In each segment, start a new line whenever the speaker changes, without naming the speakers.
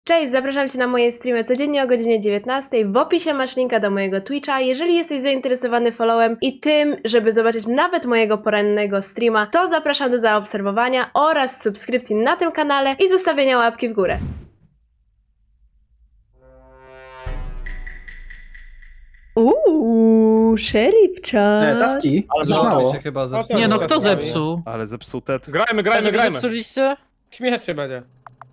Cześć, zapraszam Cię na moje streamy codziennie o godzinie 19. W opisie masz linka do mojego Twitcha. Jeżeli jesteś zainteresowany followem i tym, żeby zobaczyć nawet mojego porannego streama, to zapraszam do zaobserwowania oraz subskrypcji na tym kanale i zostawienia łapki w górę. Sheriff chat.
Taski, ale
No,
to mało.
się chyba
zepsuło.
Nie no,
to
kto
jest
zepsuł?
Ale zepsute.
Grajmy.
Zepsuliście?
Śmiesznie będzie.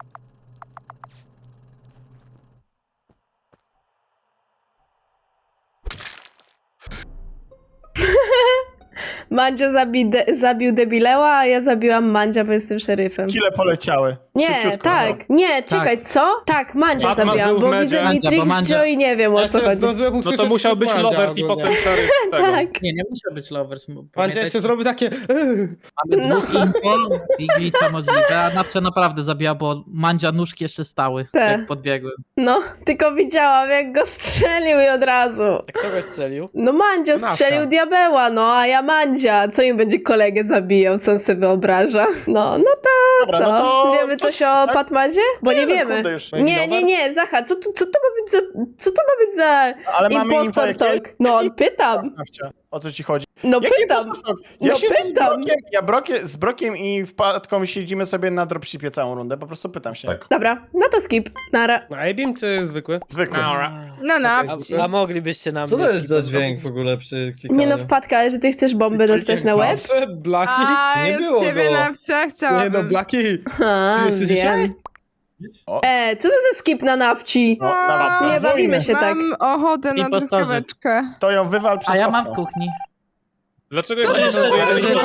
Mandzio zabił debileła, a ja zabiłam Mandzia, bo jestem szeryfem.
Kile poleciały.
Nie,
Szybciutko,
tak.
no.
Nie, czekaj, co? Tak, Mandzia
Batman
zabiłam,
był w
bo
medzie.
widzę
Mandzia,
Matrix,
bo Mandzia-
Joe i nie wiem o co chodzi.
No to musiał być lovers i potem szeryf z tego.
Tak.
Nie musiał być lovers.
Mandzia jeszcze zrobił takie...
Mamy dwóch info i glitcha możliwe, a Nawcia naprawdę zabija, bo Mandzia nóżki jeszcze stały,
Tak.
jak podbiegłem.
No, tylko widziałam jak go strzelił i od razu.
Kto go strzelił?
No Mandzio
Nawcia.
strzelił diabeła, no a ja Mandzia. Co im będzie kolegę zabijał, co on sobie wyobraża? No to
Dobra,
co?
no to...
Wiemy coś o Patmadzie? Bo nie
no,
wiemy.
kurde, już.
Nie, Zacha, co to ma być za... Co to ma być za
Ale mamy info
impostor
jakie?
talk? No, pytam.
Nawcia, o co ci chodzi?
No
Jaki
pytam.
impostor talk? Ja
No
się
pytam.
z Brokiem i Wpadką siedzimy sobie na dropshipie całą rundę, po prostu pytam się. Tak.
Dobra, no to skip. Nara.
No A-beam czy zwykły?
Zwykły.
No, no.
A moglibyście nam...
Co to jest za
skipnąć?
dźwięk w ogóle przy klikaniu?
Nie no, Wpadka, ale że ty chcesz bombę dostać na łeb?
Zawsze Blaki?
A,
Nie
ja
było
z ciebie
go.
nawcia
Nie no,
chciałabym.
Blaki.
A,
Jesteś
wiem.
dzisiaj?
O.
Co to za skip na nawci?
No, na mapkę.
Nie bawimy się tak.
Mam ochotę na
Impostorzy.
truskaweczkę.
To ją wywal przez
A ja mam w
okno.
kuchni.
Dlaczego
Co
jeszcze
to
jeden
za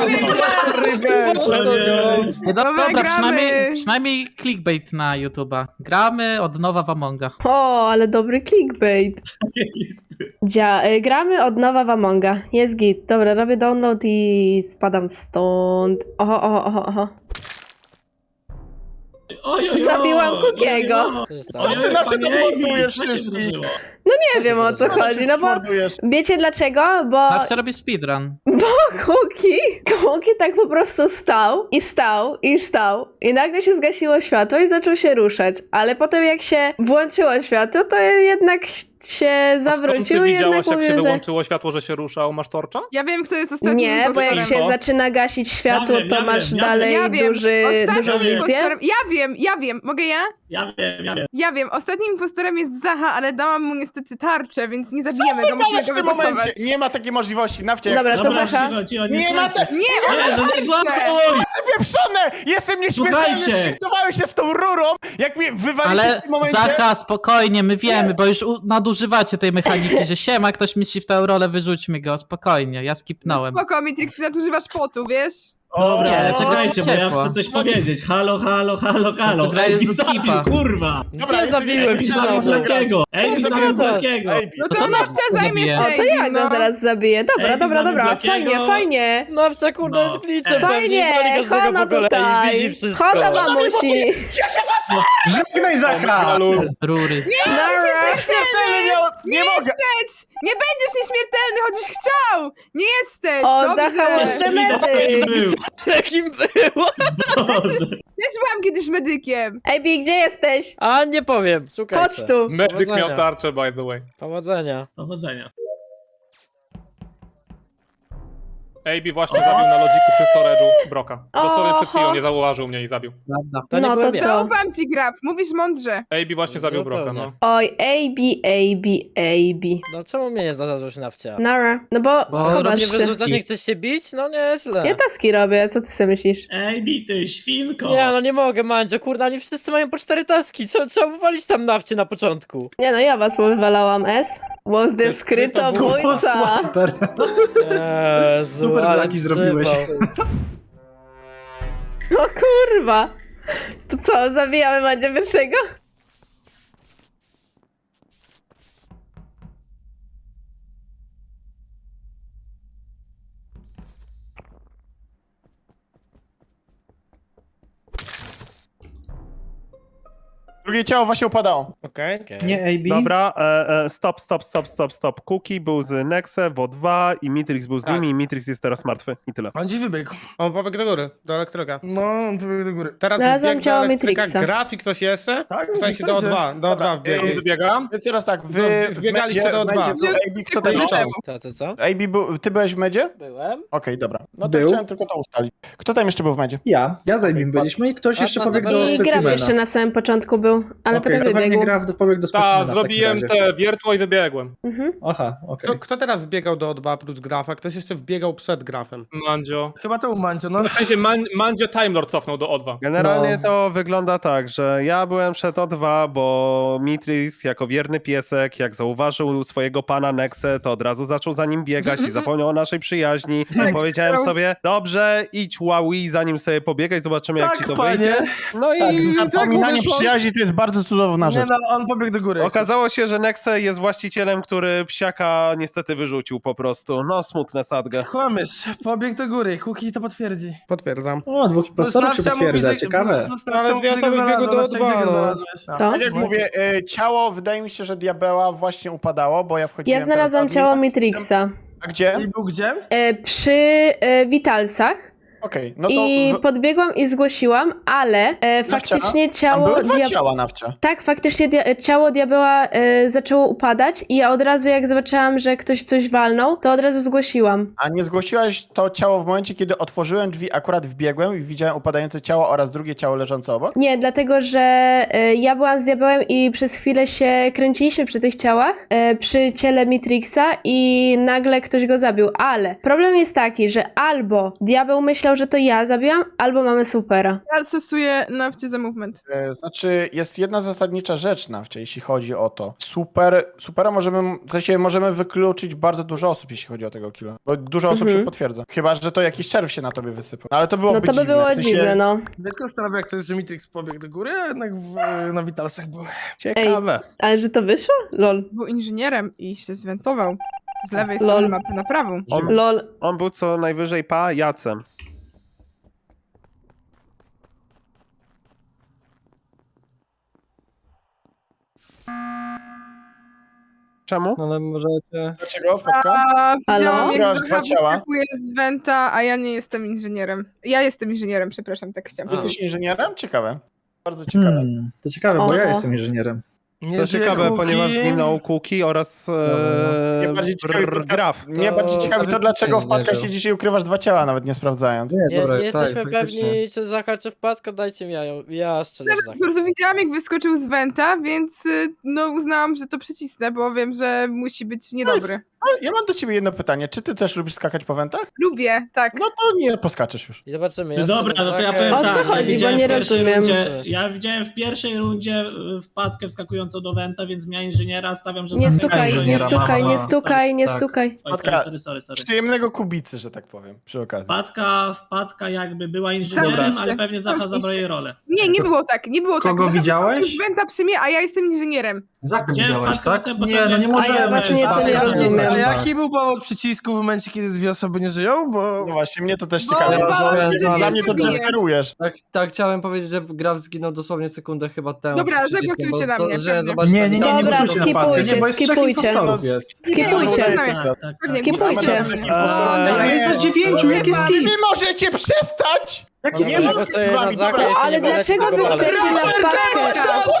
Dobra,
gramy.
przynajmniej clickbait na YouTube'a. Gramy od nowa w Amonga.
O, ale dobry clickbait. Gramy od nowa w Amonga. Jest git. Dobra, robię download i spadam stąd. Oho. Zabiłam Kukiego.
Co się
Co
stało?
ty na czym mordujesz wszystkich?
Nie wiem o co chodzi, no bo
Mordujesz.
wiecie dlaczego? Bo
Nawcia robi speedrun.
Kuki tak po prostu stał i nagle się zgasiło światło i zaczął się ruszać, ale potem jak się włączyło światło, to jednak się zawrócił i jednak
jak się
mówił, że...
wyłączyło światło, że się ruszał? Masz torcza?
Ja wiem, kto jest ostatnim
Nie, bo jak
impostorem.
się zaczyna gasić światło, to masz dalej
Ja wiem,
dużą
ostatnim
wizję.
impostorem... Ja wiem. Mogę ja? Ja wiem. Ostatnim impostorem jest Zacha, ale dałam mu niestety tarczę, więc nie zabijemy go, musimy
Ale w
go
tym momencie
wygłosować.
nie ma takiej możliwości. Nawcia, jak
Dobra,
chcesz,
to Zacha.
Nie ma tak
Nie,
pieprzone! Jestem nieśmiertelny,
Słuchajcie!
zszyftowałem się z tą rurą, jak mnie wywaliście
Ale
w tym momencie.
Zacha, spokojnie, my wiemy, bo już nadużywacie tej mechaniki, że siema, ktoś mi shiftał rolę, wyrzućmy go, spokojnie, ja skipnąłem.
Spoko, Mitrix, ty nadużywasz potu, wiesz?
Dobra,
Nie,
ale
to
czekajcie, bo ja
ciepło.
chcę coś powiedzieć. Halo.
gra jest
Ej,
do
zabił,
skipa.
kurwa!
Dobra,
Ja zabiłem
Ej, zabił
pisarza.
Blakiego! Ej, zabił Blakiego!
No
to
to nawcia zajmie
zabiję.
się.
O, to ja go zaraz zabiję. Dobra,
Ej,
dobra.
Blakiego.
Fajnie.
Nawcia, kurde,
No.
jest glitchem.
Fajnie,
pewnie broni
Hana
każdego po kolei,
tutaj.
widzi wszystko.
Hana mamusi.
Żegnaj Zacha!
Rury.
Nie mogę!
Nie będziesz nieśmiertelny, choćbyś chciał! Nie jesteś!
O,
dobrze.
Zacha jeszcze
Widać, jaki
medy.
był!
Jakim było?
Boże!
Też byłam kiedyś medykiem.
Ej, Bi, gdzie jesteś?
A, nie powiem, szukaj
Chodź
se.
tu.
Medyk
Powodzenia.
miał tarczę, by the way.
Powodzenia.
Powodzenia.
AB właśnie zabił na logiku przy storage'u Broka. Dosłownie przed chwilą
Oho.
nie zauważył mnie i zabił.
Prawda.
To nie
No to
byłem ja.
co?
Zaufam ci, Graf, mówisz mądrze.
AB właśnie zabił
Zupełnie.
Broka, no.
Oj, AB.
No czemu mnie nie zarzucisz nawcia?
Nara. No bo
Bo
chowasz
Nie
robię
się.
wyrzucasz, nie chcesz się bić? No nieźle.
Ja taski robię, co ty sobie myślisz?
Ej, bity, świnko!
Nie, no nie mogę, Mandzio, kurde, oni wszyscy mają po 4 taski. Trzeba wywalić tam nawcie na początku.
Nie no, ja was powywalałam, S. Was the skrytobójca.
Jezu,
Super
ale
Blaki zrobiłeś.
przypał.
O kurwa. To co, zabijamy Mandzia pierwszego?
Drugie ciało właśnie upadało.
Okej.
Nie, AB.
Dobra, stop. Cookie był z Nexe, WO2 i Mitrix był z
Tak.
nimi i Mitrix jest teraz martwy. I tyle.
On gdzieś wybiegł.
On pobiegł do góry, do elektryka.
No, on wybiegł do góry.
Teraz
Znalazłam
wbiegł do
ciało
elektryka
Matrixa.
graf i ktoś jeszcze?
Tak,
W sensie do
myślę, że-
O2, do O2 wbiegł.
Wybiegam.
Więc teraz tak,
No,
wy
wbiegaliście do O2.
AB, kto tam jeszcze?
Co?
AB, ty byłeś w medzie?
Byłem.
Okej, dobra. No to
Był.
chciałem tylko to ustalić. Kto tam jeszcze był w medzie?
Ja zajmim byliśmy i ktoś jeszcze pobiegł do
I Graf
specimena.
jeszcze na samym początku był, ale
Okej,
potem
to pewnie
wybiegł.
Graf pobiegł do specimena.
Tak,
w
zrobiłem
takim razie.
te wiertło i wybiegłem.
Mhm.
Aha, okej.
Kto teraz wbiegał do O2 oprócz grafa? Ktoś jeszcze wbiegał przed grafem.
Mandzio.
Chyba to u Mancio, no.
W sensie Mandzio Time Lord cofnął do O2.
Generalnie
No.
to wygląda tak, że ja byłem przed O2, bo Mitrix jako wierny piesek, jak zauważył swojego pana Nexe, to od razu zaczął za nim biegać i zapomniał o naszej przyjaźni. Powiedziałem sobie, dobrze, idź Huawei, zanim sobie pobiegaj, zobaczymy jak
Tak,
ci to
panie.
wyjdzie. No i tak
Zapominanie
wyszło.
przyjaźni to jest bardzo cudowna
Nie
rzecz.
no, on pobiegł do góry.
Okazało się, że Nexe jest właścicielem, który psiaka niestety wyrzucił po prostu. No, smutne sadgę.
Kłamiesz, pobiegł do góry, Kuki to potwierdzi.
Potwierdzam.
O, dwóch impostorów się potwierdza, ciekawe.
Ale dwie osoby biegły do O2, no.
Co?
Tak jak mówię, ciało, wydaje mi się, że diabeła właśnie upadało, bo ja wchodziłem...
Ja znalazłam
teraz
ciało
admin.
Matrixa
A gdzie?
I był gdzie?
przy Witalsach
Okej, no to...
i podbiegłam i zgłosiłam, ale faktycznie
Tam
ciało...
były dwa ciała nawcia.
Tak, faktycznie ciało diabeła zaczęło upadać i ja od razu jak zobaczyłam, że ktoś coś walnął, to od razu zgłosiłam.
A nie zgłosiłaś to ciało w momencie, kiedy otworzyłem drzwi, akurat wbiegłem i widziałem upadające ciało oraz drugie ciało leżące obok?
Nie, dlatego, że ja byłam z diabełem i przez chwilę się kręciliśmy przy tych ciałach, przy ciele Mitrixa i nagle ktoś go zabił, ale problem jest taki, że albo diabeł myślał, że to ja zabiłam, albo mamy supera.
Ja stosuję nawcie za movement.
Znaczy, jest jedna zasadnicza rzecz nawcie, jeśli chodzi o to. Supera możemy, w sensie możemy wykluczyć bardzo dużo osób, jeśli chodzi o tego killa. Bo dużo osób się potwierdza. Chyba, że to jakiś czerw się na tobie wysypał. No, ale to byłoby
No to by
dziwne.
było
w sensie,
dziwne, no.
Tylko zastanawiam, jak to jest, że Mitrix pobiegł do góry, a jednak na Witalsach był.
Ciekawe.
Ale że to wyszło? Lol.
Był inżynierem i się zwentował z lewej
Lol.
strony mapy na prawą.
Lol.
On był co najwyżej pajacem. Czemu?
Ale możecie...
Dlaczego wpadka?
A widziałam,
Halo?
jak
Grasz
Zacha
dwa ciała?
wyskakuje z Wenta, a ja nie jestem inżynierem. Ja jestem inżynierem, przepraszam, tak chciałam.
Jesteś inżynierem? Ciekawe. Bardzo ciekawe.
To ciekawe, bo
Oho.
ja jestem inżynierem.
To ciekawe, ponieważ zginął Cookie oraz
Mnie bardziej ciekawi,
Graf.
Mnie bardziej ciekawi to, dlaczego
nie
wpadka
żył.
siedzisz i ukrywasz dwa ciała, nawet nie sprawdzając.
Nie,
dobra,
nie jesteśmy
tak,
pewni,
faktycznie.
czy Zacha, czy wpadka, dajcie mi ja strzelę w
Po
Zacha.
prostu widziałam, jak wyskoczył z Wenta, więc no uznałam, że to przycisnę, bo wiem, że musi być niedobry.
Ale ja mam do ciebie jedno pytanie. Czy ty też lubisz skakać po wentach?
Lubię, tak.
No to nie poskaczesz już.
I zobaczymy.
No dobra, no to ja powiem
O co
tak.
chodzi,
widziałem
bo nie
w pierwszej
rozumiem.
rundzie, ja widziałem w pierwszej rundzie wpadkę wskakującą do Wenta, więc miałem inżyniera, stawiam, że
Nie
zamykam
stukaj, nie
inżyniera.
stukaj, nie
No,
stukaj, nie
tak.
stukaj.
Oj, sorry.
Przyjemnego kubicy, że tak powiem, przy okazji.
Wpadka jakby była inżynierem,
Dobra.
ale pewnie Zacha zabrał jej rolę.
Nie było tak, nie było
Kogo
tak.
widziałeś?
Wyskoczył z Wenta przy mnie, a ja jestem inżynierem.
Zaka
Gdzie
widziałeś,
wpadka
tak?
na samym
Nie, no nie
początku?
możemy.
A ja właśnie nieco nie rozumiem.
A jaki był powód przycisku w momencie, kiedy dwie osoby nie żyją? Bo...
No właśnie, mnie to też
Bo
ciekawe.
bałam się, że
Dla
mnie
mnie to
zabije.
desperujesz.
Tak, chciałem powiedzieć, że Graf zginął dosłownie sekundę chyba temu.
Dobra,
przed przyciskiem,
zagłosujcie
bo
na mnie,
że
pewnie.
zobaczcie
Nie, nie, nie, nie
Dobra,
głosujcie na
skipujcie,
wpadkę, nie, bo jest trzech
skipujcie.
impostorów jest.
Skipujcie.
Tak.
Skipujcie.
A jest 9, jak jest
Wy
skip?
możecie przestać!
Jak
Nie
jest
Nie
mogę
mam
sobie
z wami,
na Zachę,
dobra.
jeśli
Ale
nie będę
dlaczego wy
próbował.
chcecie na wpadkę?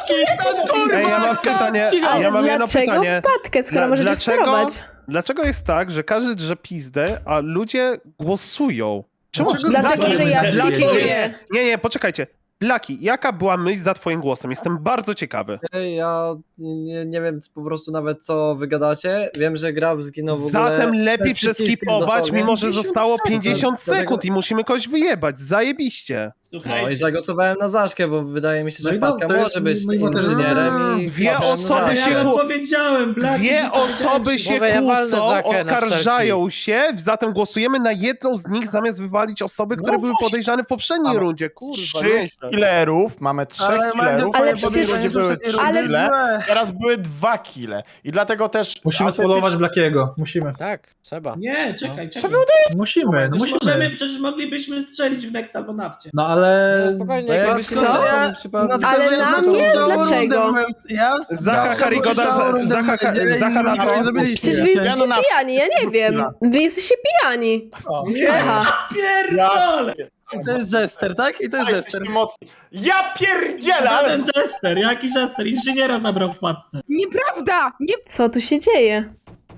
Ej, ja mam pytanie,
Ale
ja mam jedno
dlaczego
pytanie.
wpadkę, skoro możecie
Dlaczego-
sterować?
Dlaczego jest tak, że każdy drze pizdę, a ludzie głosują? Czemu?
Dlatego, że ja
Blaki
skipuję.
jest... Nie, poczekajcie. Blaki, jaka była myśl za twoim głosem? Jestem bardzo ciekawy.
Ja nie wiem po prostu nawet co wy gadacie. Wiem, że Graf zginął w ogóle.
Zatem lepiej
przed przyciskiem
przeskipować,
dosłownie.
mimo że
50
zostało
sekund.
50
Dlatego-
sekund i musimy kogoś wyjebać. Zajebiście.
No i
Słuchajcie,
zagłosowałem na Zaszkę, bo wydaje mi się, że
No i
wpadka
to jest
może być
mój motyw.
inżynierem i
Dwie
wpadłem na
osoby
Zaszkę.
się
ja
kłó-
powiedziałem, Black,
Dwie osoby się
Mówię, ja walnę
kłócą,
Zachę na
oskarżają się, zatem głosujemy na jedną z nich, zamiast wywalić osoby, które były podejrzane w poprzedniej
Ale
rundzie. Kurwa,
Trzy,
nieźle.
killerów, mamy 3 killerów,
Ale
a w poprzedniej
przecież-
rundzie były 3
ale-
kille, teraz były 2 kille. I dlatego też...
Musimy spolować Blackiego. Musimy.
Tak, trzeba.
Nie, czekaj.
Musimy, no musimy.
Przecież moglibyśmy strzelić w Nex albo Nafcie.
No ale...
Spokojnie,
No
jak
jakbyś
Co?
nie zaczął przypadek.
Ale na mnie? Dlaczego?
Zacha Karigoda, Zacha na co?
Przecież wy jesteście pijani, ja nie wiem. Wy jesteście pijani. Aha.
Pierdolę!
I to jest Jester, tak? I to jest Jester.
Jesteście mocni. Ja pierdzielę! ale-
Żaden Jester, jaki Jester? Inżyniera zabrał w wpadce.
Nieprawda! Nie...
Co tu się dzieje?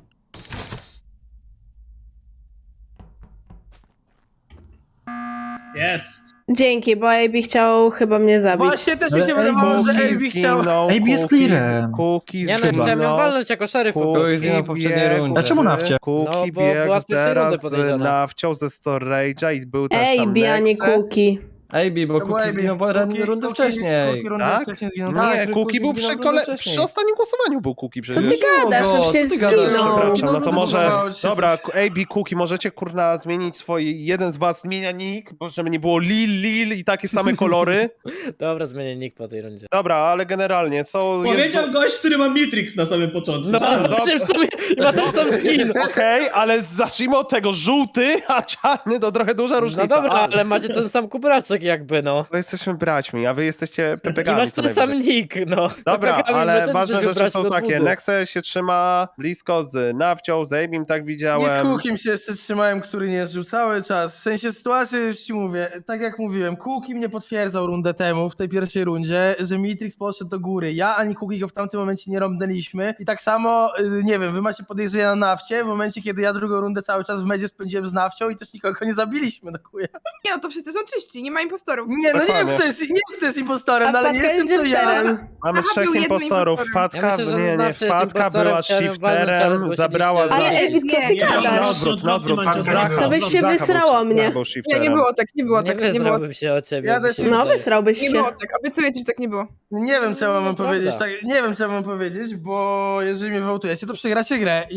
Jest.
Dzięki, bo AB chciał chyba mnie zabić.
Właśnie też mi się wydawało, że AB chciał...
AB jest clearem. Cookies
Nie no, chciałem ją walnąć jako szeryf po prostu.
Cookies na poprzedniej rundzie.
A czemu Nafcie?
No,
Cookie
bo była
biegł
w pierwszej rundy
teraz
podejrzana.
Nafcią ze storage'a i był też tam
AB, a nie
Nexe.
Cookie.
AB, bo Cookie zginął rundę wcześniej.
Tak?
Tak,
Nie, Cookie był
zginął
przy,
rundę wcześniej.
przy ostatnim głosowaniu był Cookie
Co
przecież.
ty gadasz? No
Co
przecież
ty gadasz?
zginął.
Przepraszam, no to
No,
może...
wydawało ci się
Dobra, AB, Cookie, możecie kurna zmienić jeden z was zmienia nick, bo żeby nie było Lil i takie same kolory.
Dobra, zmienię nick po tej rundzie.
Dobra, ale generalnie są...
Powiedział gość, który ma Matrix na samym początku.
No,
Dobra.
czym w sumie ma ten sam skin.
Okej, ale zacznijmy od tego, żółty, a czarny to trochę duża różnica.
No dobra, ale macie ten sam kubraczek jakby, no.
Bo jesteśmy braćmi, a wy jesteście
I
pepegami
masz
co
ten sam
najwyżej.
nick, no.
Dobra,
Pepegami my
ale
też
ważne
jesteśmy
rzeczy są
braćmi od
takie.
budu.
Nexe się trzyma blisko z Nafcią, z Abim, tak
Nie z
widziałem.
Cookiem się jeszcze trzymałem, który nie żył cały czas. W sensie sytuacji już ci mówię, tak jak mówiłem, Cookie mnie potwierdzał rundę temu, w tej pierwszej rundzie, że Mitrix poszedł do góry. Ja ani Cookie go w tamtym momencie nie rąbnęliśmy. I tak samo, nie wiem, wy macie podejrzenia na Nafcie, w momencie kiedy ja drugą rundę cały czas w medzie spędziłem z Nafcią i też nikogo nie zabiliśmy, no chuja.
Nie, no to wszyscy są czyści, nie ma impostorów.
Nie, no nie wiem,
Dokładnie.
kto jest impostorem,
A
no, ale nie
wpadka
jestem
jest
to ja.
jesterem.
Mamy
Aha,
3
był jednym
impostorów.
impostorem.
Wpadka,
Ja myślę, że
nie,
Nafcia jest
wpadka
impostorem,
była
chciałem walnąć, ale
shifterem,
zgłosiliście,
zabrała
że-
Ale
za...
AB, co ty
Nie,
gadasz?
Na odwrót.
Zacha.
To byś się
Zacha był-
wysrało mnie.
Zacha był
Nie,
shifterem.
nie było tak, nie było
Nie
tak, nie było
wyzrałbym się o ciebie.
Ja też
No, wysrałbyś
Nie
się.
było tak, obiecuję ci, że tak nie było.
Nie wiem, co ja mam
Prawda.
powiedzieć. Tak, nie wiem, co ja mam powiedzieć, bo jeżeli mnie wołtujecie, to przegracie grę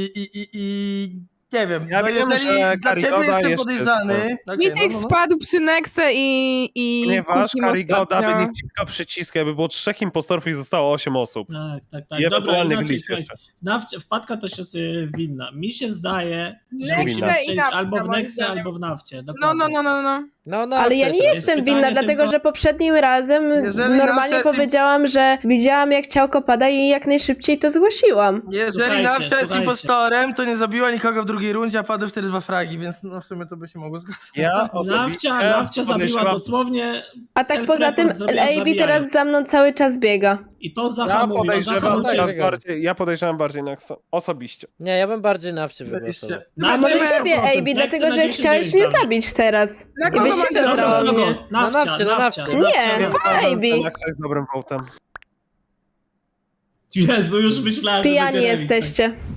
i nie wiem.
Ja
no
wiem,
jeżeli
że
dla ciebie
Karigoda
jestem
jeszcze
podejrzany. Okay,
Mitrix spadł przy Nexe i
Ponieważ
Cookie
Karigoda
ostatnio.
by nie wciskał przycisku, jakby było 3 impostorów i zostało 8 osób.
Tak.
I
Dobra,
ewentualny
inaczej,
glitch
słuchaj.
jeszcze.
Wpadka też jest winna. Mi się zdaje, że
Nexe
musimy
i
strzelić
Nafta,
albo w
moim
Nexie,
zdaniem.
albo w Nafcie.
No.
No,
Ale ja nie jestem
pytanie
winna, dlatego
tylko-
że poprzednim razem
Jeżeli
normalnie
Nafcia jest
powiedziałam, że widziałam jak ciałko pada i jak najszybciej to zgłosiłam.
Jeżeli
Słuchajcie,
Nafcia jest
słuchajcie.
impostorem, to nie zabiła nikogo w drugiej rundzie, a padły wtedy 2 fragi, więc no w sumie to by się mogło zgadzać.
Ja osobiście
Nafcia zabiła
podejrzewam-
dosłownie.
A tak poza tym AB
zabijając.
teraz za mną cały czas biega.
I to
Ja
Zacha mówiła. Zacha
podejrzewam,
uciekł.
tak.
ja podejrzewam bardziej Nexe, osobiście.
Nie, ja bym bardziej Nafcie wygłosował.
A
Nafcia
może
na
ciebie
100%,
AB,
Nexy
dlatego
na
że
99
chciałeś mnie
damy.
zabić teraz.
Na
I
kogo
byś się
mam
Dobra,
zesrała
w kogo?
mnie.
Nafcia.
Nie,
Ten Nexe jest dobrym votem.
Jezu, już myślałem, że
Pijani
będzie remis.
jesteście.